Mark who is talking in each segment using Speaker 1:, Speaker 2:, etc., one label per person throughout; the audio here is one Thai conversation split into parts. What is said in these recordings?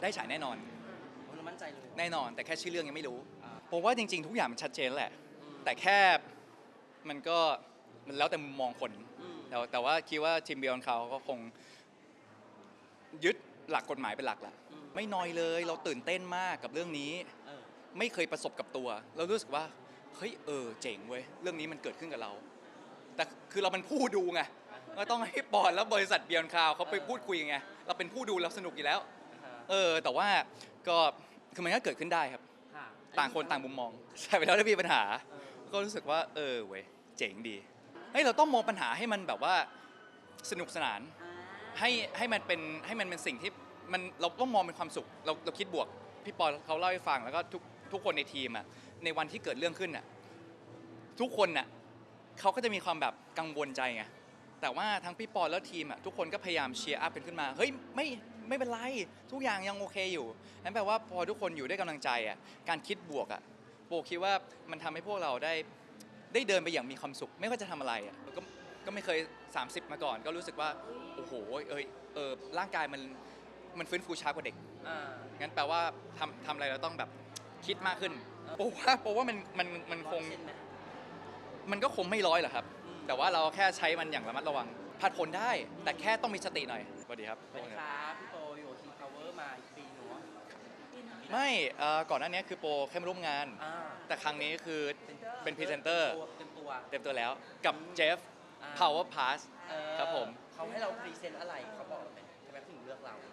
Speaker 1: ได้ฉายแน่นอน
Speaker 2: เรามั่นใจเลย
Speaker 1: แน่นอนแต่แค่ชื่อเรื่องยังไม่รู้ผมว่าจริงๆทุกอย่างมันชัดเจนแหละแต่แค่มันก็มันแล้วแต่มุมมองคนแต่ว่าคิดว่าทีมBeyond Cloudก็คงยึดหลักกฎหมายเป็นหลักแหละไม่น้อยเลยเราตื่นเต้นมากกับเรื่องนี้ไม่เคยประสบกับตัวเรารู้สึกว่าเฮ้ยเจ๋งเว้ยเรื่องนี้มันเกิดขึ้นกับเราแต่คือเราเป็นผู้ดูไงก็ต้องให้ปอนแล้วบริษัทBeyond Cloudเขาไปพูดคุยไงเราเป็นผู้ดูเราสนุกอยู่แล้วแต่ว่าก็คือมันก็เกิดขึ้นได้ครับต่างคนต่างมุมมองใช่ไปแล้วถ้ามีปัญหาก็รู้สึกว่าเว้ยเจ๋งดีเฮ้ยเราต้องมองปัญหาให้มันแบบว่าสนุกสนานให้มันเป็นสิ่งที่มันเราต้องมองเป็นความสุขเราคิดบวกพี่ปอเขาเล่าให้ฟังแล้วก็ทุกคนในทีมอ่ะในวันที่เกิดเรื่องขึ้นอ่ะทุกคนน่ะเขาก็จะมีความแบบกังวลใจไงแต่ว่าทั้งพี่ปอแล้วทีมอ่ะทุกคนก็พยายามเชียร์อัพกันขึ้นมาเฮ้ยไม่เป็นไรทุกอย่างยังโอเคอยู่นั่นแปลว่าพอทุกคนอยู่ด้วยกำลังใจอ่ะการคิดบวกอ่ะโบคิดว่ามันทำให้พวกเราได้เดินไปอย่างมีความสุขไม่ว่าจะทำอะไรอ่ะก็ไม่เคย30มาก่อนก็รู้สึกว่าโอ้โหร่างกายมันฟื้นฟูช้ากว่าเด็กงั้นแปลว่าทำอะไรเราต้องแบบคิดมากขึ้นเพราะว่ามันคงมันก็คงไม่ร้อยหรอกครับแต่ว่าเราแค่ใช้มันอย่างระมัดระวังผัดผลได้แต่แค่ต้องมีสติหน่อยสวัสดีครับ
Speaker 2: สวัสดีครับพี่โปอยู่King Power มาอีกปีหนู
Speaker 1: ไม่ก่อนหน้านี้คือโปแค่มาร่วมงานแต่ครั้งนี้คือเป็นพรีเซนเตอร์เต็มตัวแล้วกับเจฟ Power Pass ครับผม
Speaker 2: เขาให้เราพรีเซนต์อะไรเขาบอกไหมทำไมถึงเลือกเรา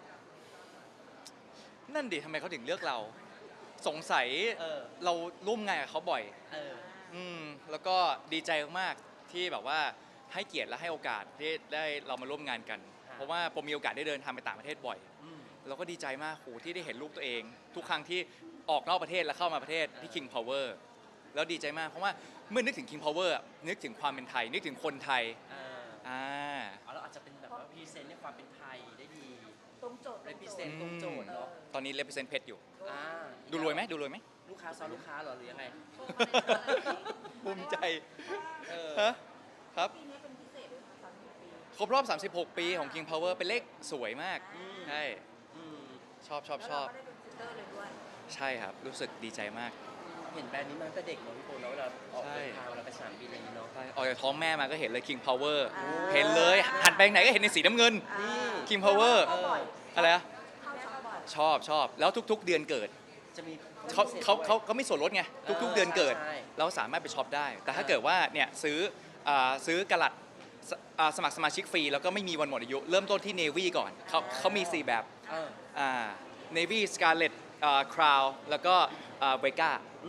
Speaker 1: นั่นดิทำไมเขาถึงเลือกเราสงสัยเราร่วมงานกับเขาบ่อยแล้วก็ดีใจมากๆที่แบบว่าให้เกียรติและให้โอกาสที่ได้เรามาร่วมงานกันเพราะว่าผมมีโอกาสได้เดินทางไปต่างประเทศบ่อยเราก็ดีใจมากที่ได้เห็นรูปตัวเองทุกครั้งที่ออกนอกประเทศและเข้ามาประเทศที่ King Power แล้วดีใจมากเพราะว่าเมื่อนึกถึง King Power นึกถึงความเป็นไทยนึกถึงคนไทย
Speaker 2: เราอาจจะเป็นแบบว่าพรีเซนต์ในความเป็นไทยได้ดี
Speaker 3: ตรงโจทย์
Speaker 2: represent ตรงโจทย์เนาะ
Speaker 1: ตอนนี้ represent เพชรอยู่ดูรวยไหม
Speaker 2: ลูกค้าซ้อนลูกค้าหรอหรือยังไง
Speaker 1: ภูมิใจครับ
Speaker 3: ปีนี้เป็นพิเศษเลยค่ะ36 ปี
Speaker 1: ครบรอบ36 ปีของ King Power เป็นเลขสวยมากใช่ชอบ
Speaker 3: แล้วเราก็ได้เป็นพรีเซนเตอร์เลยด้วย
Speaker 1: ใช่ครับรู้สึกดีใจมาก
Speaker 2: เห็นแบรนด์นี้มาตั้งแต่เด็กเนาะพี่โปเนาะเวลาออกเดินทางเราไปสนามบินอะไรอย่างนี้เนาะ
Speaker 1: ออกจากท้องแม่มาก็เห็นเลย King Power เห็นเลยหันไปไหนก็เห็นในสีน้ำเงิน King Power อะไรอะชอบแล้วทุกๆเดือนเกิด
Speaker 2: จะมี
Speaker 1: เขามีส่วนลดไงทุกๆเดือนเกิดเราสามารถไปช็อปได้แต่ถ้าเกิดว่าเนี่ยซื้อกะลัดสมัครสมาชิกฟรีแล้วก็ไม่มีวันหมดอายุเริ่มต้นที่ Navy ก่อนเขามี4แบบNavy Scarlet Crown แล้วก็Vega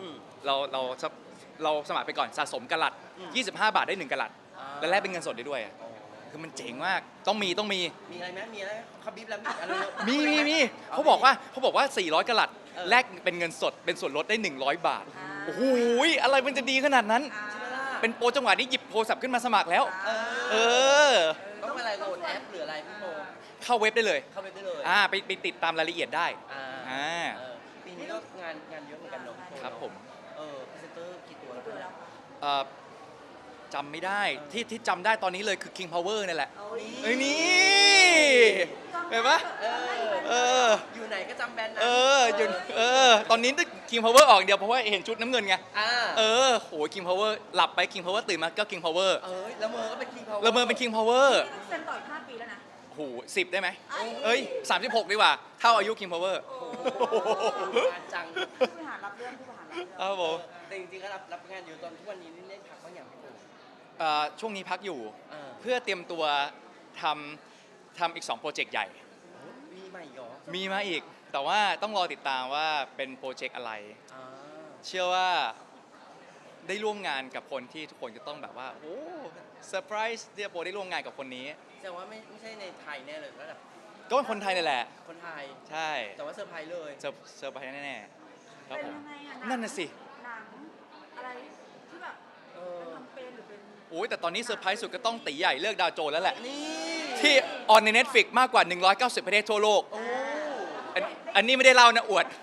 Speaker 1: เราสมัครไปก่อนสะสมกะลัด25 บาทได้1กะลัดและแลกเป็นเงินสดได้ด้วยคือมันเจ๋งมากต้องมี
Speaker 2: อะไรไหมมีอะไรเขาบีบแล้ว
Speaker 1: มีเขาบอกว่า400กะลัดแลกเป็นเงินสดเป็นส่วนลดได้100 บาทโอ้โหอะไรมันจะดีขนาดนั้นเป็นโปรจังหวะนี้หยิบโทรศัพท์ขึ้นมาสมัครแล้ว
Speaker 2: ต้องอะไรโหลดแอปหรืออะไรพี่โป
Speaker 1: เข้าเว็บได้เลยไปติดตามรายละเอียดได้
Speaker 2: ปีนี้ก็งานเยอะเหมือนกันเนาะ
Speaker 1: ครับผม
Speaker 2: พรีเซนเตอร์กี่ตัวแล้ว
Speaker 1: จำไม่ได้ที่จำได้ตอนนี้เลยคือ King Power นี่แหละนี่เห็นปะ
Speaker 2: อยู่ไหนก็จำแบรนด์
Speaker 1: ตอนนี้King Power ออกเดียวเพราะว่าเห็นชุดน้ำเงินไงโห King Power หลับไป King Power ตื่นมาก็ King Power
Speaker 2: แล้วเมอก็เป็น King Power
Speaker 1: แล้วเมอเป็น King Power
Speaker 3: เซ็นต่ออีก5 ปีแล้วนะ
Speaker 1: โห10ได้ไหม36ดีกว่าเท่าอายุ King Power
Speaker 2: จัง
Speaker 3: ผู้บริหารรับเรื่อง
Speaker 1: ครับผม
Speaker 2: แต่จริงๆก็รับงานอยู่ตอนทุกวันนี้เล่นพักบางอย่างพี่โป
Speaker 1: ช่วงนี้พักอยู่เพื่อเตรียมตัวทำอีก2โปรเจกต์ใหญ่
Speaker 2: มีมาอีกเหรอ
Speaker 1: มีมาอีกแต่ว่าต้องรอติดตามว่าเป็นโปรเจกต์อะไรเชื่อว่าได้ร่วมงานกับคนที่ทุกคนจะต้องแบบว่าโอ้เซอร์ไพรส์ที่โปรได้ร่วมงานกับคนนี้
Speaker 2: แสดงว่าไม่ใช่ในไทยแน่เลยก็แบบ
Speaker 1: ก็เป็นคนไทยนี่แหละ
Speaker 2: คนไทย
Speaker 1: ใช่
Speaker 2: แต่ว่าเซอร์ไพรส์เลย
Speaker 1: เซอร์ไพรส์แน่ๆครับผม
Speaker 3: นั่
Speaker 1: นน่ะสิ
Speaker 3: หนังอะไรที่แบบเป็นแคมเปญหรือเป็น
Speaker 1: โอ้ยแต่ตอนนี้เซอร์ไพรส์สุดก็ต้องตีใหญ่เลือกดาวโจนแล้วแหละที่ออนใน Netflix มากกว่า190ประเทศทั่วโลกอันนี้ไม่ได้เล่านะอวด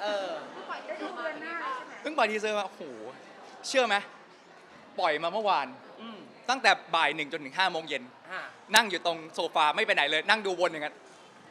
Speaker 1: เพิ่งปล่อยทีเซอร์มาโอ้โหเชื่อไหมปล่อยมาเมื่อวานตั้งแต่บ่าย1จนถึง5 โมงเย็นนั่งอยู่ตรงโซฟาไม่ไปไหนเลยนั่งดูวนอย่างนั้น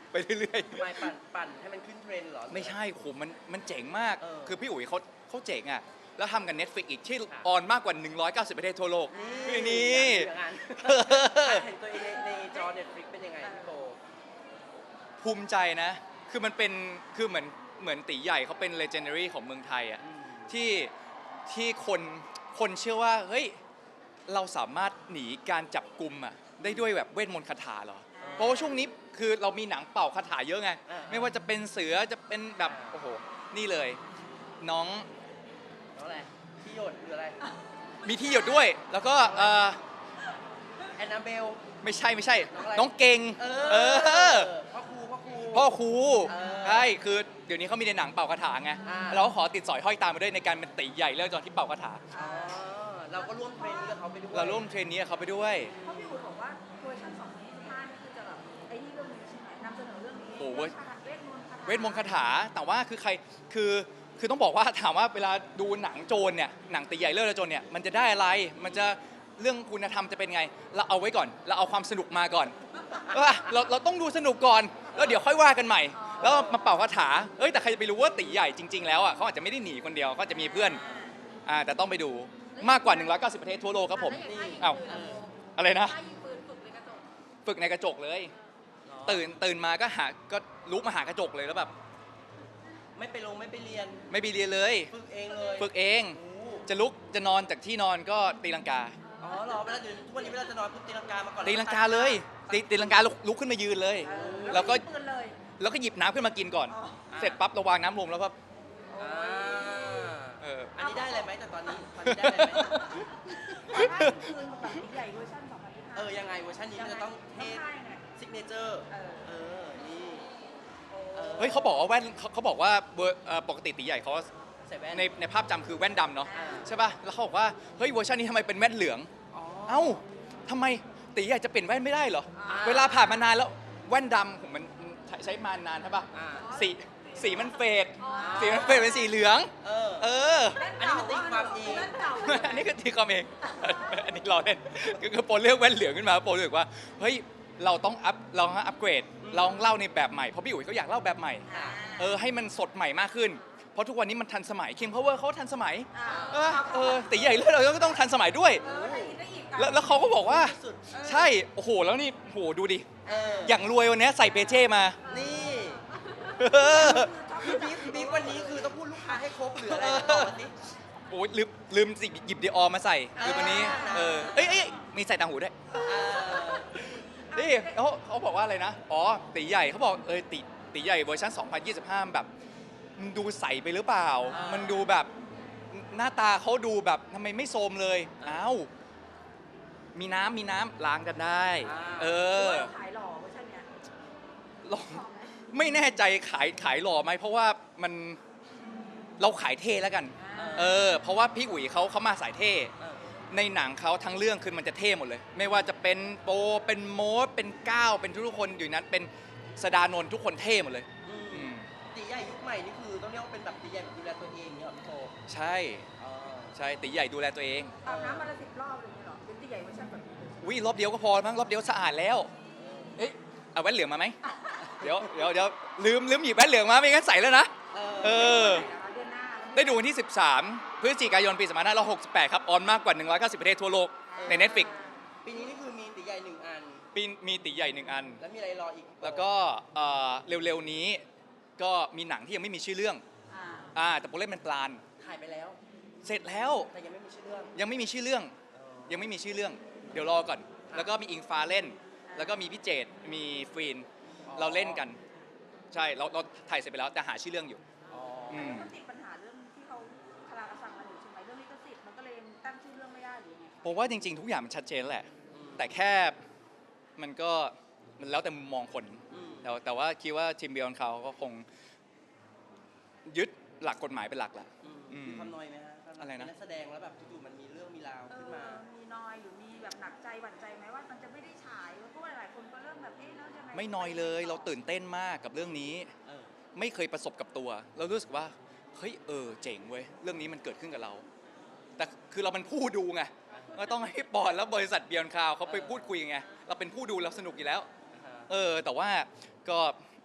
Speaker 1: ไปเรื่อย
Speaker 2: ไม่ปั่นให้มันขึ้นเทรนด์เหรอ
Speaker 1: ๆไม่ใช่โหมันเจ๋งมาก
Speaker 2: เออ
Speaker 1: คือพี่อุ๋ยเขาเจ๋งอ่ะแล้วทำกับ Netflix อีกที่
Speaker 2: ค่ะ
Speaker 1: ออนมากกว่า190ประเทศทั่วโลก นี่
Speaker 2: อย่างนั้นเห็นตัวเองในจอ Netflix เป็นยังไงพี่โบ
Speaker 1: ภูมิใจนะ คือมันเป็นคือเหมือนตีใหญ่เขาเป็น legendary ของเมืองไทยอ่ะ ที่คนเชื่อว่าเฮ้ยเราสามารถหนีการจับกลุ่มอ่ะได้ด้วยแบบเวทมนต์คาถาเหรอ เพราะว่าช่วงนี้คือเรามีหนังเป่าคาถาเยอะไง ไม่ว่าจะเป็นเสือจะเป็นแบบโอ้โหนี่เลย น้อง
Speaker 2: น้องอะไรที่หยดหรืออะไร
Speaker 1: มีที่หยดด้วย แล้วก็
Speaker 2: แอนนาเบล
Speaker 1: ไม่ใช่
Speaker 2: น้องอะไร
Speaker 1: น้องเก่ง
Speaker 2: เออ
Speaker 1: อ
Speaker 2: พ่อครู
Speaker 1: พ่อครู
Speaker 2: เออ
Speaker 1: ใช่คือเดี๋ยวนี้เขามีในหนังเป่าคาถาไง
Speaker 2: อ่า
Speaker 1: เราก็ขอติดสอยห้อยตามมาด้วยในการเป็นตีใหญ่เรื่องตอนที่เป่าคาถา
Speaker 2: อ๋อเราก็ร่วมเทรนนี้กับเขาไปด้วย
Speaker 1: เราร่วมเทรนนี้กับเขาไปด้วย
Speaker 3: เพราะพี่อุ๋ยบอกว่าเวอร์ชัน2025นี่คือจะแบบไอ้นี่เรื่องนี้ใช่ไหมนำเสนอเรื่องนี้
Speaker 1: โอ้โห
Speaker 3: เวทมนต์คาถา
Speaker 1: เวทมนต์คาถาแต่ว่าคือใครคือต้องบอกว่าถามว่าเวลาดูหนังโจรเนี่ยหนังตีใหญ่เรื่องโจรเนี่ยมันจะได้อะไรมันจะเรื่องคุณธรรมจะเป็นไงเราเอาไว้ก่อนเราเอาความสนุกมาก่อนเราต้องดูสนุกก่อนแล้วเดี๋ยวค่อยว่ากันใหม่ แล้วมาเป่าคาถาแต่ใครจะไปรู้ว่าตีใหญ่จริงๆแล้วอ่ะเขาอาจจะไม่ได้หนีคนเดียวเขาจะมีเพื่อนแต่ต้องไปดูมากกว่า190ประเทศทั่วโลกครับผม อ้าว อะไรนะ
Speaker 3: ถ้ายิงปืนฝึกในกระจก
Speaker 1: ฝึกในกระจกเลย ตื่นมาก็ลุกมาหากระจกเลยแล้วแบบ
Speaker 2: ไม่ไปเรียน
Speaker 1: ไม่ไปเรียนเลย
Speaker 2: ฝึกเองเลย
Speaker 1: ฝึกเอง
Speaker 2: โอ้
Speaker 1: จะลุกจะนอนจากที่นอนก็ตีลังกา
Speaker 2: อ๋อเหรอเวลาเดี๋ยวทุกวันนี้เวลาจะนอนปุ๊บตีลังกามาก่อน
Speaker 1: ตีลังกาเลยตีลังกาลุกขึ้นมายืนเลย แล้วก็
Speaker 3: ยิงปืนเลย
Speaker 1: แล้วก็หยิบน้ำขึ้นมากินก่อน
Speaker 3: อ๋อ
Speaker 1: เสร็จปั๊บระวางน้ำลงแล้วก็
Speaker 2: อ่า
Speaker 1: อั
Speaker 2: อันนี้ได้อะไรไหมแต่ตอนนี้ได้อะไรไหม
Speaker 3: ถ้ายิงปืนแบบใหญ่เวอร์ชัน2025
Speaker 2: ยังไงเวอร์ชันนี้มันจะต้องเทพ
Speaker 3: ใช่ไง
Speaker 2: ซิกเนเจอร์
Speaker 3: เออ
Speaker 2: นี่
Speaker 1: เฮ้ยเขาบอกว่าแว่นเขาบอกว่าปกติตีใหญ่เขา
Speaker 2: ใส่แว่น
Speaker 1: ในภาพจำคือแว่นดำเนาะ
Speaker 2: อ่า
Speaker 1: ใช่ป่ะแล้วเขาบอกว่าเฮ้ยเวอร์ชันนี้ทำไมเป็นแว่นเหลือง
Speaker 2: อ๋อ
Speaker 1: เอ้าทำไมตีใหญ่จะเปลี่ยนแว่นไม่ได้เหรอ
Speaker 2: อ่า
Speaker 1: เวลาผ่านมานานแล้วแว่นดำผมมันใช้มานานใช่ป่ะ
Speaker 2: อ่า
Speaker 1: สีมันเฟด
Speaker 3: อ๋อ
Speaker 1: สีมันเฟดเป็นสีเหลือง
Speaker 2: เออ
Speaker 1: เออ
Speaker 2: อันนี้มันตีความเอง
Speaker 3: แว่นเก่า
Speaker 1: อันนี้ก็ตีความเอง อันนี้เราเล่นคือโปรเลือกแว่นเหลืองขึ้นมาโปรรู้สึกว่าเฮ้ยเราต้องอัปเกรดเราต้องเล่าในแบบใหม่เพราะพี่อุ๋ยเขาอยากเล่าแบบใหม่ ให้มันสดใหม่มากขึ้น เพราะทุกวันนี้มันทันสมัยคิมพาวเวอร์เขาทันสมัย ตีใหญ่เลือดเราก็ต้องทันสมัยด้วย
Speaker 3: ได้อีก
Speaker 1: แล้วเขาก็บอกว่า
Speaker 2: สุด
Speaker 1: ใช่ โอ้โห แล้วนี่โอ้โหดูดิ
Speaker 2: ๆ
Speaker 1: อย่างรวยวันนี้ใส่เปเช่มา
Speaker 2: นี่
Speaker 1: เออ
Speaker 2: คือบีฟวันนี้คือต้องพูดลูกค้าให้ครบหรืออะไรบอกมาสิ
Speaker 1: โอ้ยลืมหยิบดีออมาใส่คือวันนี้ เอ้ยมีใส่ต่างหูด้วย นี่เขาบอกว่าอะไรนะ อ๋อ ตีใหญ่เขาบอกตีใหญ่เวอร์ชัน2025 แบบมันดูใสไปหรือเปล่า มันดูแบบหน้าตาเขาดูแบบทำไมไม่โทรมเลย อ้าว มีน้ำล้างกันได้ เออ
Speaker 3: ขายหล่อเวอร์ชันเนี้ย
Speaker 1: หล่อไม่แน่ใจขายหล่อไหมเพราะว่ามันเราขายเท่แล้วกัน เพราะว่าพี่อุ๋ยเขามาสายเท่ ในหนังเขาทั้งเรื่องคือมันจะเท่หมดเลย ไม่ว่าจะเป็นโปเป็นโมดเป็นก้าวเป็นทุกคนอยู่นั้นเป็นสดานนท์ทุกคนเท่หมดเลย
Speaker 2: ตีใหญ่ยุคใหม่นี่คือต้องเรียกว่าเป็นแบบตีใหญ่แบบดูแลตัวเองเนี่ยเหรอพี่โต
Speaker 1: ใช่ใช่ตีใหญ่ดูแลตัวเอง
Speaker 3: อาบน้ำวันละ10 รอบเลยเหรอเป็นตีใหญ่เวอร์ชันแบบนี้เลย
Speaker 1: วิรอบเดียวก็พอมั้งรอบเดียวสะอาดแล้ว เอ๊ะเอาแว่นเหลืองมาไหมเดี๋ยวลืมหยิบแว่นเหลืองมาไม่งั้นใส่แล้วนะ
Speaker 2: เออ
Speaker 3: เดือนหน้า
Speaker 1: ได้ดูวันที่ 13 พฤศจิกายนปี2568 ครับ ออนมากกว่า190ประเทศทั่วโลกใน Netflix
Speaker 2: ปีนี้นี่คือมีตีใหญ่หนึ่งอัน
Speaker 1: ปีมีตีใหญ่1 อัน
Speaker 2: แล้วมีอะไรรออีก
Speaker 1: แล้วก็เร็วๆนี้ก็มีหนังที่ยังไม่มีชื่อเรื่อง แต่โปรเล่นเป็นปลาน
Speaker 2: ถ่ายไปแล้ว
Speaker 1: เสร็จแล้ว
Speaker 2: แต่ยังไม่มีชื่อเรื่อง
Speaker 1: ยังไม่มีชื่อเรื่อง ยังไม่มีชื่อเรื่อง เดี๋ยวรอก่อน แล้วก็มีอิงฟ้าเล่น แล้วก็มีพี่เจตมีฟรีน เราเล่นกัน ใช่เราถ่ายเสร็จไปแล้วแต่หาชื่อเรื่องอยู่
Speaker 3: มันติดปัญหาเรื่องที่เขาคาราคาซังกันอยู่ใช่ไหมเรื่องลิขสิทธิ์มันก็เลยตั้งชื่อเรื่องไม่ได้หรือยังไง
Speaker 1: ผมว่าจริงๆ ทุกอย่างมันชัดเจนแหละ แต่แค่มันก็มันแล้วแต่มุมมองคน แต่ว่าคิดว่าทีมเบียร์เขาก็คงยึดหลักกฎหมายเป็นหลักแหละ
Speaker 2: มีความน้อยไหมฮะ
Speaker 1: อะไรนะ
Speaker 2: นักแสดงแล้วแบบอยู่ๆมันมีเรื่องมีราวขึ้นมา
Speaker 3: มีน้อยหรือมีแบบหนักใจหวั่นใจไหมว่ามันจะไม่ได้ฉายเพราะว่าหลายคนก็เริ่มแบบแล้วยังไง
Speaker 1: ไม่น้อยเลย เราตื่นเต้นมากกับเรื่องนี้ ไม่เคยประสบกับตัว เรารู้สึกว่าเฮ้ยเจ๋งเว้ยเรื่องนี้มันเกิดขึ้นกับเรา แต่คือเราเป็นผู้ดูไงก็ต้องให้ปอนแล้วบริษัทเบียร์คาวเขาไปพูดคุยไงเราเป็นผู้ดูเราสนุกอยู่แล้ว แต่ว่าก็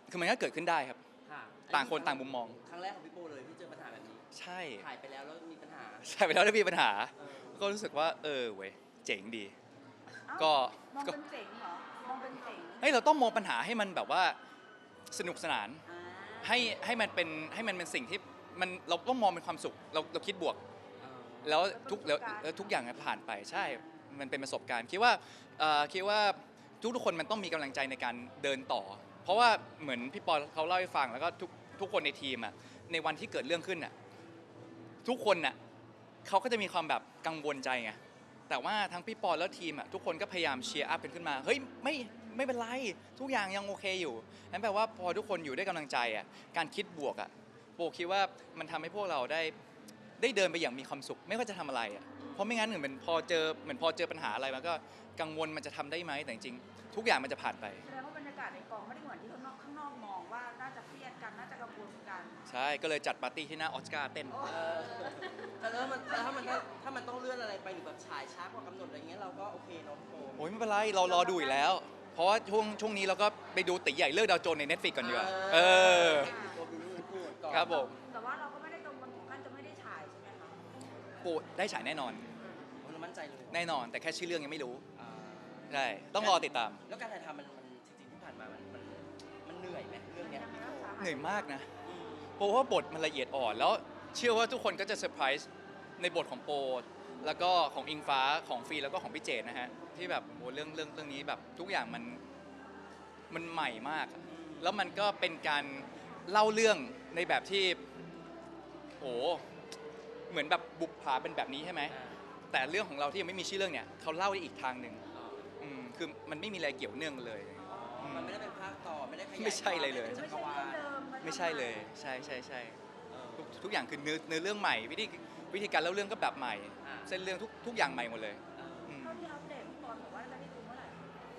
Speaker 1: คือมันก็เกิดขึ้นได้ครับ
Speaker 2: ค่ะ
Speaker 1: ต่างคนต่างมุมมอง
Speaker 2: ครั้งแรกของพี่โปเลยที่เจอปัญหาแบบนี้
Speaker 1: ใช่
Speaker 2: ถ่ายไปแล้วมีปัญหา
Speaker 1: ใช่ไปแล้วได้มีปัญหา
Speaker 2: เออ
Speaker 1: ก็รู้สึกว่าเว้ยเจ๋งดี
Speaker 3: เอ้า
Speaker 1: ก็
Speaker 3: มองเป็นเจ๋งเหรอมองเป็นเจ๋ง
Speaker 1: เฮ้ยเราต้องมองปัญหาให้มันแบบว่าสนุกสนาน
Speaker 3: อ่า
Speaker 1: ให้มันเป็นสิ่งที่มันเราต้องมองเป็นความสุขเราคิดบวก แล้วทุกอย่างผ่านไปใช่ มันเป็นประสบการณ์คิดว่าทุกคนมันต้องมีกำลังใจในการเดินต่อ เพราะว่าเหมือนพี่ปอเขาเล่าให้ฟังแล้วก็ทุกคนในทีมอ่ะในวันที่เกิดเรื่องขึ้นอ่ะทุกคนอ่ะเขาก็จะมีความแบบกังวลใจไงแต่ว่าทั้งพี่ปอแล้วทีมอ่ะทุกคนก็พยายามเชียร์อัพกันขึ้นมาเฮ้ยไม่เป็นไรทุกอย่างยังโอเคอยู่นั่นแปลว่าพอทุกคนอยู่ด้วยกำลังใจอ่ะการคิดบวกอ่ะโปคิดว่ามันทำให้พวกเราได้เดินไปอย่างมีความสุขไม่ว่าจะทำอะไรอ่ะเพราะไม่งั้นเหมือนพอเจอปัญหาอะไรมันก็กังวลมันจะทำได้ไหมแต่จริงๆทุกอย่างมันจะผ่านไป
Speaker 3: แสดงว่าบรรยากาศในกองไม่ได้เหมือนที่ข้างนอกมองว่าน่าจะเครียดกันน่าจะกังวลกัน
Speaker 1: ใช่ก็เลยจัดปาร์ตี้ที่หน้าออสการ์เต้น
Speaker 2: เออแต่ถ้ามันต้องเลื่อนอะไรไปหรือแบบฉายช้ากว่ากำหนดอะไรเงี้ยเราก็โอเคเนาะพี่โป
Speaker 1: โอ้ยไม่เป็นไรเรารอดูอีกแล้ว เพราะว่าช่วงนี้เราก็ไปดูตีใหญ่เลิกดาวโจนส์ใน Netflix ก่อนดีกว่า
Speaker 2: โปดูรูปพูดก่อน
Speaker 1: ครับผม
Speaker 3: แต่ว่าเราก็ไม่ได้กังวลถึงขั้นจะไม่ได้ฉายใช่ไหมคะ
Speaker 1: ปูได้ฉายแน่นอน
Speaker 2: เรามั่นใจเลย
Speaker 1: แน่นอน แต่แค่ชื่อเรื่องยังไม่รู้
Speaker 2: อ่า
Speaker 1: ใช่ต้องรอติดตาม
Speaker 2: แล้วการถ่ายทำมันจริงๆที่ผ่านมามันเหนื่อยไหมเรื่องเนี้ยพี่โป
Speaker 1: เหนื่อยมากนะ
Speaker 2: อืม
Speaker 1: โปว่าบทมันละเอียดอ่อน แล้วเชื่อว่าทุกคนก็จะเซอร์ไพรส์ในบทของโปแล้วก็ของอิงฟ้าของฟีแล้วก็ของพี่เจดนะฮะที่แบบโอ้เรื่องนี้แบบทุกอย่างมันใหม่มากอะแล้วมันก็เป็นการเล่าเรื่องในแบบที่โอ้เหมือนแบบบุปผาเป็นแบบนี้ใช่ไหม
Speaker 2: อ่า
Speaker 1: แต่เรื่องของเราที่ยังไม่มีชื่อเรื่องเนี่ยเขาเล่าได้อีกทางหนึ่ง
Speaker 2: อ๋อ
Speaker 1: คือมันไม่มีอะไรเกี่ยวเนื่องเลย
Speaker 2: มันไม่ได้เป็นภาคต่อไม่ได้ขยาย
Speaker 1: ไม่ใช่เลยเลย
Speaker 2: จั
Speaker 3: ไม่
Speaker 2: กร
Speaker 3: ใช่
Speaker 2: วา
Speaker 3: เรื่อง
Speaker 2: ล
Speaker 3: เดิมน
Speaker 1: ไม่ใช่เลย
Speaker 3: ทำ
Speaker 1: ใช่
Speaker 2: เออ
Speaker 1: ทุกอย่างคือเนื้อเรื่องใหม่วิธีการเล่าเรื่องก็แบบใหม่
Speaker 2: อ่า
Speaker 1: เส้นเรื่องทุกอย่างใหม่หมดเลย
Speaker 2: เออ
Speaker 1: อืม
Speaker 3: เท่าที่อัปเดตพี่ปอนบอกว่าจะได้ดูเมื่อไหร่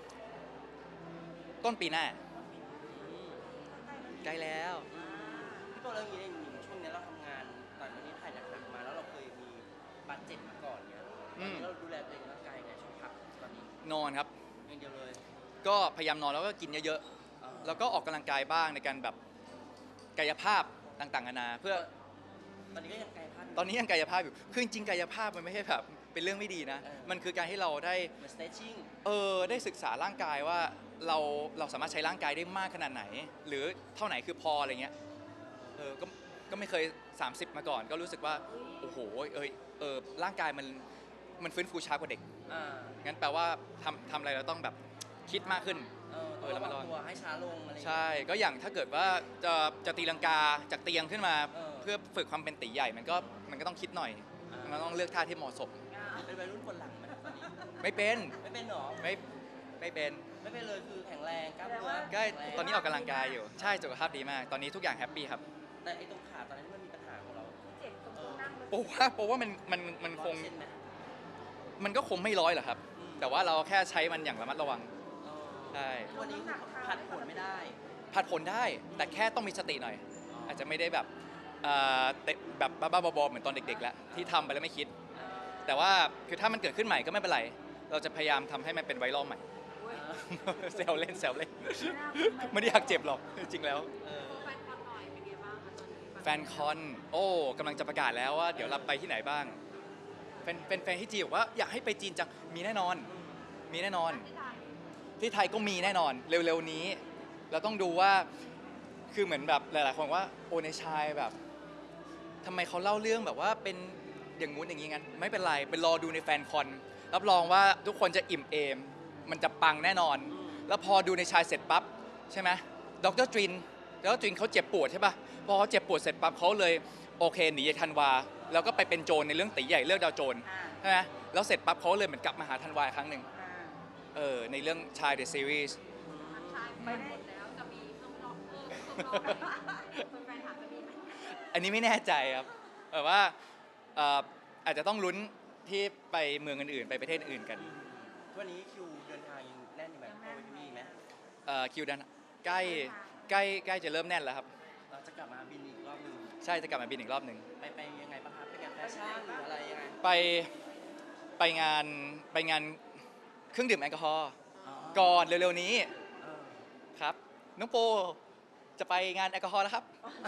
Speaker 1: ต้นปีหน้า
Speaker 2: อืม
Speaker 1: ใกล้แล้ว
Speaker 2: พี่โปเรื่องนี้เนี่ยช่วงนี้เราทำงานตอนนี้ถ่ายหนักๆมาแล้วเราเคยมีบาดเจ็บมาก่อนเนี่ยตอนนี้เราดูแลตัวเองร่างกายยังไงช่วงพักตอนนี้
Speaker 1: นอนครับ
Speaker 2: อย่างเดียวเลย
Speaker 1: ก็พยายามนอนแล้วก็กินเยอะๆแล้วก็ออกกำลังกายบ้างในการแบบกายภาพต่างๆนานาเพื่อ
Speaker 2: ตอนนี้ก็ยังกายภาพยู่
Speaker 1: ตอนนี้ยังกายภาพอยู่คือจริงๆกายภาพมันไม่ใช่แบบเป็นเรื่องไม่ดีนะ มันคือการให้เราได้
Speaker 2: เหมือน stretching
Speaker 1: ได้ศึกษาร่างกายว่าเราสามารถใช้ร่างกายได้มากขนาดไหน หรือเท่าไหนคือพออะไรเงี้ยก็ไม่เคย 30 มาก่อน ก็รู้สึกว่าโอ้โหร่างกายมันฟื้นฟูช้ากว่าเด็ก
Speaker 2: อ่า
Speaker 1: งั้นแปลว่าทำอะไรเราต้องแบบคิดมากขึ้น
Speaker 2: ต้องระวังตัวให้ช้าลงอะไรอย่างเงี้ย
Speaker 1: ใช่ก็อย่างถ้าเกิดว่าจะตีลังกาจากเตียงขึ้นมา เพื่อฝึกความเป็นตีใหญ่มันก็ต้องคิดหน่อย มันต้องเลือกท่าที่เหมาะสม
Speaker 2: เป็นวัยรุ่นคนหลังไหมตอนนี้
Speaker 1: ไม่เป็น
Speaker 2: ไม่เป็นหรอ
Speaker 1: ไม่เป็น
Speaker 2: ไม่เป็นเลยคือแข็งแรงกล้ามเนื้อ
Speaker 1: ก็
Speaker 2: แข็งแรง
Speaker 1: ตอนนี้ออกกำลังกายอยู่ใช่สุขภาพดีมาก ตอนนี้ทุกอย่างแฮปปี้ครับ
Speaker 2: แต่ไอ้ตรงขาตอนนั้นมันมีปัญหาของเรา
Speaker 3: เจ็บตรงช่วงนั่งเลย
Speaker 1: โปว่ามันคง
Speaker 2: 100%ไหม
Speaker 1: มันก็คงไม่ร้อยหรอกครับ
Speaker 2: อืม
Speaker 1: แต่ว่าเราแค่ใช้มันอย่างระมัดระวัง
Speaker 2: เออ
Speaker 1: ใช่
Speaker 2: ทุกวันนี้คือผัดผลไม่ได้
Speaker 1: ผัดผลได้แต่แค่ต้องมีสติหน่อย อาจจะไม่ได้แบบเตะแบบบ้าๆบอๆเหมือนตอนเด็กๆแล้วที่ทำไปแล้วไม่คิด แต่ว่าคือถ้ามันเกิดขึ้นใหม่ก็ไม่เป็นไร เราจะพยายามทำให้มันเป็นไวรัลใหม่
Speaker 3: อุ๊ย
Speaker 1: แซวเล่นไม่
Speaker 3: ไม่
Speaker 1: ได้อยากเจ็บหรอกจริงๆแล้ว
Speaker 2: เออ
Speaker 4: แฟนคอนหน่อยเป็นไงบ้างคะตอนนี้
Speaker 1: แฟนคอนกำลังจะประกาศแล้วว่าเดี๋ยวเราไปที่ไหนบ้างแฟนที่จีนบอกว่าอยากให้ไปจีนจังมีแน่นอน มีแน่นอน ที่ไทยก็มีแน่นอนเร็วๆนี้ เราต้องดูว่าคือเหมือนแบบหลายๆคนว่าในชายแบบทำไมเขาเล่าเรื่องแบบว่าเป็นอย่างงู้นอย่างงี้งั้นไม่เป็นไรไปรอดูในแฟนคอนรับรองว่าทุกคนจะอิ่มเอม มันจะปังแน่นอน แล้วพอดูในชายเสร็จปั๊บใช่ไหมดรตรินเขาเจ็บปวดใช่ปะพอเขาเจ็บปวดเสร็จปั๊บเขาเลยโอเคหนีจากธันวาแล้วก็ไปเป็นโจรในเรื่องตีใหญ่เลือกดาวโจร ใช่ไหมแล้วเสร็จปั๊บเขาเลยเหมือนกลับมาหาธันวาอีกครั้งหนึ่งในเรื่องชาย The Series
Speaker 4: ชายไปหมดแล้วจะมีข้างนอกแฟนถามจะมีไหม
Speaker 1: อันนี้ไม่แน่ใจครับแบบว่าอาจจะต้องลุ้นที่ไปเมืองอื่นๆไปประเทศอื่นกัน
Speaker 2: ทุกวันนี้คิวเดินทางยังแน่นอยู่ไหมเข้าไปที่นี่ไหม
Speaker 1: คิวดันใกล้จะเริ่มแน่นแล้วครับ
Speaker 2: เราจะกลับมาบินอีกรอบหนึง
Speaker 1: ใช่จะกลับมาบินอีกรอบหนึ่ง
Speaker 2: ไปยังไงบ้างครับไปงานแฟชั่นหรืออะไรยังไง
Speaker 1: ไปงานเครื่องดื่มแอลกอฮอล์
Speaker 2: อ๋อ
Speaker 1: ก่อนเร็วๆนี้
Speaker 2: เออ
Speaker 1: ครับน้องโปจะไปงานแอลกอฮอล์แล้วครับ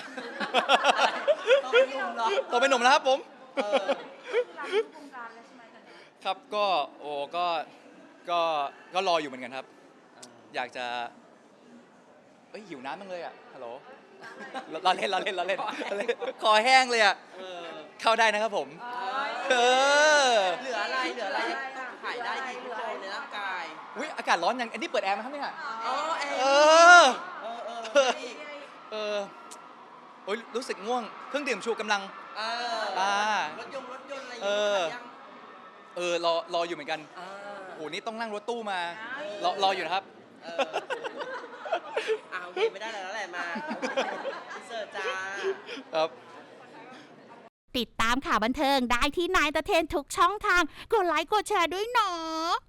Speaker 2: ต้องเป็นหนุ่มเหรอ
Speaker 1: โตเป็นหนุ่มแล้วครับผม
Speaker 2: เออ
Speaker 3: รักทุกวงการแล้วใช่ไหมตอนนี้
Speaker 1: ครับก็โอ้ก็รออยู่เหมือนกันครับ อยากจะเอ้ยหิวน้ำบ้างเลยอ่ะฮัลโหลเราเล่นคอแห้งเลยอ่ะ
Speaker 2: เออ
Speaker 1: เข้าได้นะครับผม เออ
Speaker 2: เหลืออะไรต้องขายได้ดีทุกโลในร่างกาย
Speaker 1: อุ้ยอากาศร้อนยังอันนี้เปิดแอร์ไหมครับเนี่ย
Speaker 2: อ๋อแอร์
Speaker 1: เออ
Speaker 2: นี่
Speaker 1: เออโอ้ยรู้สึกง่วงเครื่องดื่มชูกำลัง
Speaker 2: เอ
Speaker 1: อ่า
Speaker 2: รถยนต์อะไรอย่าง
Speaker 1: เอ
Speaker 2: เงี้
Speaker 1: อ
Speaker 2: ยยัง
Speaker 1: รออยู่เหมือนกัน
Speaker 2: อ่า
Speaker 1: โอ้นี่ต้องนั่งรถตู้มารออยู่นะครับ
Speaker 2: เออโอเคไม่ได้แล้วแหละมาเสิร์ฟจ้า
Speaker 1: ครับ
Speaker 5: ติดตามข่าวบันเทิงได้ที่นายตะเทนทุกช่องทาง กดไลค์กดแชร์ด้วยเนาะ